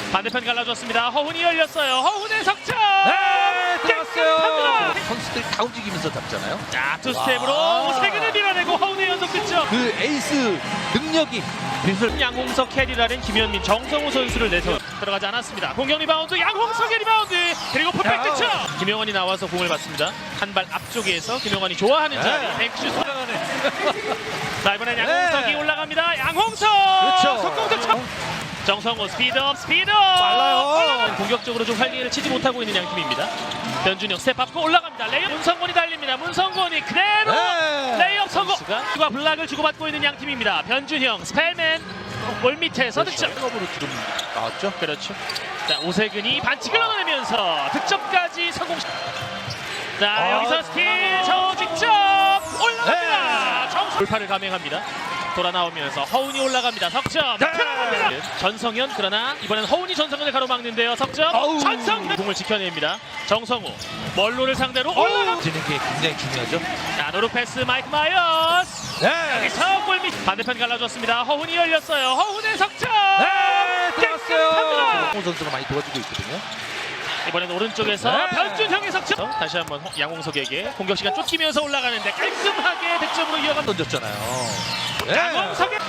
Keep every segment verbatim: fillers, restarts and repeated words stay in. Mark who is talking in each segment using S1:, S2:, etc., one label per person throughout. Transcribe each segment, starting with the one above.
S1: 반대편 갈라줬습니다. 허훈이 열렸어요. 허훈의 석점.
S2: 네, 들어갔어요.
S1: 깨끗합니다.
S2: 선수들이 다 움직이면서 잡잖아요.
S1: 자, 투 스텝으로 오세근을 밀어내고 허훈의 연속 득점.
S2: 그 에이스 능력이 빛을
S1: 양홍석, 캐리라렌, 김현민, 정성우 선수를 내서 들어가지 않았습니다. 공격 리바운드 양홍석의 리바운드 그리고 풋백 득점. 김영환이 나와서 공을 받습니다. 한 발 앞쪽에서 김영환이 좋아하는 자리
S2: 네.
S1: 뱅크슛. 자, 이번엔 양홍석이
S2: 네.
S1: 올라갑니다. 양홍석
S2: 그렇죠.
S1: 속공 득점. 정성우 스피드업 스피드업
S2: 빨라요.
S1: 공격적으로 좀 활기를 치지 못하고 있는 양팀입니다. 변준영 스텝 밟고 올라갑니다. 레이업 문성곤이 달립니다. 문성곤이 그대로
S2: 네.
S1: 레이업 성공. 과 블락을 주고받고 있는 양팀입니다. 변준영 스펠맨 골 밑에서 득점.
S2: 백업으로 지금 나왔죠.
S1: 그렇죠. 자, 오세근이 반칙을 얻어내면서 득점까지 성공. 자,
S2: 아,
S1: 여기서 스틸 저 직접 올라갑니다.
S2: 네.
S1: 정수 돌파를 감행합니다. 돌아 나오면서 허훈이 올라갑니다. 석점
S2: 네.
S1: 들어갑니다. 전성현 그러나 이번엔 허훈이 전성현을 가로막는데요. 석점
S2: 아우.
S1: 전성현 공을 지켜냅니다. 정성우 멀로를 상대로 올라갑니다.
S2: 지는 게 굉장히 중요하죠.
S1: 자, 노루 패스 마이크 마이어스.
S2: 네.
S1: 여기서 골밑 반대편 갈라줬습니다. 허훈이 열렸어요. 허훈의 석점.
S2: 네, 들어갔어요.
S1: 깨끗합니다.
S2: 홍 선수가 많이 도와주고 있거든요.
S1: 이번엔 오른쪽에서
S2: 네.
S1: 변준형의 석점. 다시 한번 허- 양홍석에게 공격 시간 쫓기면서 올라가는데 깔끔하게 득점으로 이어갑니다.
S2: 던졌잖아요. 네.
S1: 양홍석의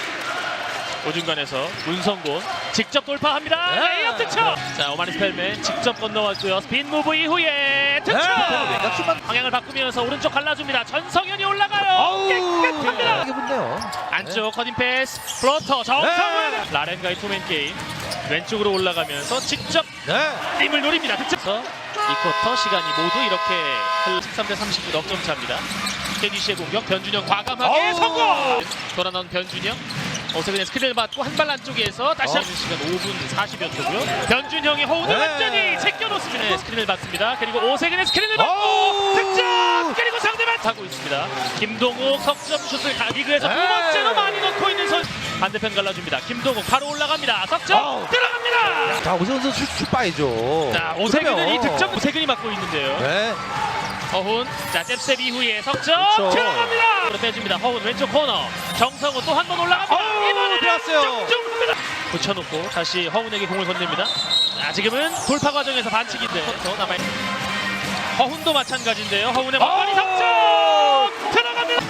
S1: 오중간에서 문성곤 직접 돌파합니다.
S2: 네.
S1: 레이업 득점. 자, 오마니 스펠맨 직접 건너왔고요. 스핀 무브 이후에 득점.
S2: 네. 외곽슛만
S1: 방향을 바꾸면서 오른쪽 갈라줍니다. 전성현이 올라가요.
S2: 아우.
S1: 깨끗합니다.
S2: 이게 뭔데요?
S1: 안쪽 커팅 패스 플로터 정성훈.
S2: 네.
S1: 라렌과의 투맨 게임 왼쪽으로 올라가면서 직접
S2: 네.
S1: 힘을 노립니다. 득점. 이 쿼터 시간이 모두 이렇게 십삼 대 삼십구 넉점 차입니다. 케디씨의 공격 변준영 과감하게
S2: 아우.
S1: 성공. 돌아 나온 변준영. 오세근의 스크린을 받고 한 발 안쪽에서 다시
S2: 어.
S1: 하는 시간 오 분 사십여 초고요. 변준영이 호흡을
S2: 네.
S1: 완전히 제껴놓습니다. 네, 스크린을 받습니다. 그리고 오세근의 스크린을 받고
S2: 아우.
S1: 득점. 그리고 상대방 하고 있습니다. 김동욱 석점 슛을 가- 리그에서 두
S2: 네.
S1: 번째로 많이 넣고 있는 선수. 반대편 갈라줍니다. 김동욱 바로 올라갑니다. 석점
S2: 아우.
S1: 들어갑니다.
S2: 자, 오세훈 선수 슛 봐야죠.
S1: 자, 오세근은
S2: 그러면.
S1: 이 득점 오세근이 맡고 있는데요.
S2: 네.
S1: 허훈, 자, 잽스텝 이후에 석점
S2: 그렇죠.
S1: 들어갑니다. 그로 빼줍니다. 허훈 왼쪽 코너. 정성우 또 한 번 올라갑니다.
S2: 어우,
S1: 이번에는
S2: 들어갔어요.
S1: 정중합니다. 붙여놓고 다시 허훈에게 공을 건넵니다. 자, 지금은 돌파 과정에서 반칙인데 더 남아. 허훈도 마찬가지인데요. 허훈의 막판이
S2: 어우.
S1: 석점 들어갑니다.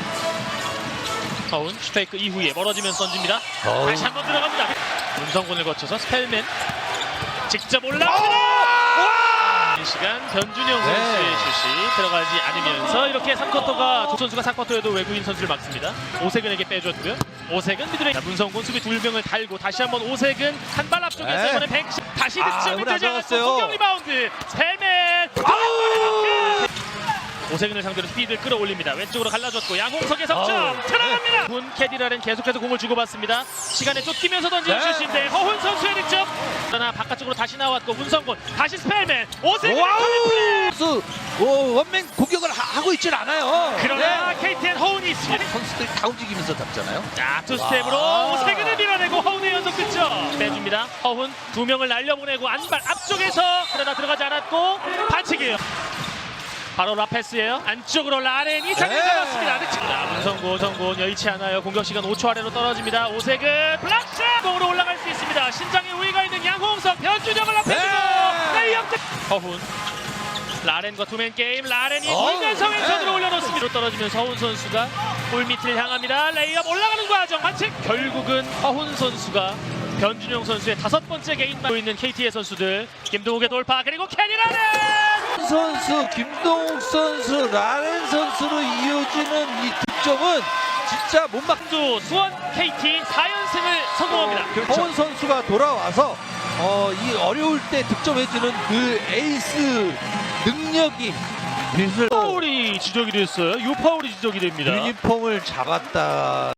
S1: 허훈 슈페이크 이후에 멀어지면서 던집니다.
S2: 어우.
S1: 다시 한 번 들어갑니다. 문성곤을 거쳐서 스펠맨 직접 올라갑니다. 이 시간 변준영
S2: 네.
S1: 선수의 슛이 들어가지 않으면서 이렇게 삼 쿼터가 조 선수가 사 쿼터에도 외국인 선수를 막습니다. 오세근에게 빼줬고요. 오세근 미드레인. 자, 문성곤 수비 두 명을 달고 다시 한번 오세근 한 발 앞쪽에서
S2: 네.
S1: 이번에 백십 다시
S2: 아,
S1: 득점이
S2: 이번에 안
S1: 되지 않았고
S2: 들어갔어요.
S1: 공격 리바운드 스펠맨.
S2: 아우.
S1: 오세근을 상대로 스피드를 끌어올립니다. 왼쪽으로 갈라줬고 양홍석의 석점
S2: 아우.
S1: 들어갑니다. 군 캐디라렌 계속해서 공을 주고받습니다. 시간에 쫓기면서 던지는
S2: 네.
S1: 슛인데 허훈 선수의 득점. 그러나 바깥쪽으로 다시 나왔고 문성곤 다시 스펠맨 오세근
S2: 와우! 선수 오, 원맨 공격을 하, 하고 있질 않아요.
S1: 그러나
S2: 네.
S1: 케이티엔 허훈이 있습니다.
S2: 선수들이 다 움직이면서 잡잖아요.
S1: 자, 투 스텝으로
S2: 와.
S1: 오세근을 밀어내고 허훈의 연속 득점 빼줍니다. 허훈 두 명을 날려보내고 안발 앞쪽에서 그러나 들어가지 않았고 반칙이에요. 바로 라페스예요. 안쪽으로 라렌이 장을
S2: 네.
S1: 잡았습니다. 득점. 자, 문성고 정곤 여의치 않아요. 공격 시간 오 초 아래로 떨어집니다. 오세근 블락샷 공으로 올라갈 수 있습니다. 신장에 우위가 있는 양홍석 변준영을 앞에두고
S2: 네.
S1: 레이업 득. 허훈 라렌과 투맨 게임. 라렌이
S2: 어우,
S1: 돌면서 왼손으로
S2: 네.
S1: 올려놓습니다. 떨어지면서 허훈 선수가 골밑을 향합니다. 레이업 올라가는 과정 반칙. 결국은 허훈 선수가 변준영 선수의 다섯 번째 개인만 있는 케이티의 선수들. 김동욱의 돌파 그리고 캐리 라렌.
S2: 선수 김동욱 선수 라렌 선수로 이어지는 이 득점은 진짜 못 막.
S1: 또 수원 케이티 사 연승을 성공합니다.
S2: 허훈 선수가 돌아와서 어, 이 어려울 때 득점해주는 그 에이스 능력이 빛을
S1: 파울이 지적이 됐어요. 이 파울이 지적이 됩니다.
S2: 유니폼을 잡았다.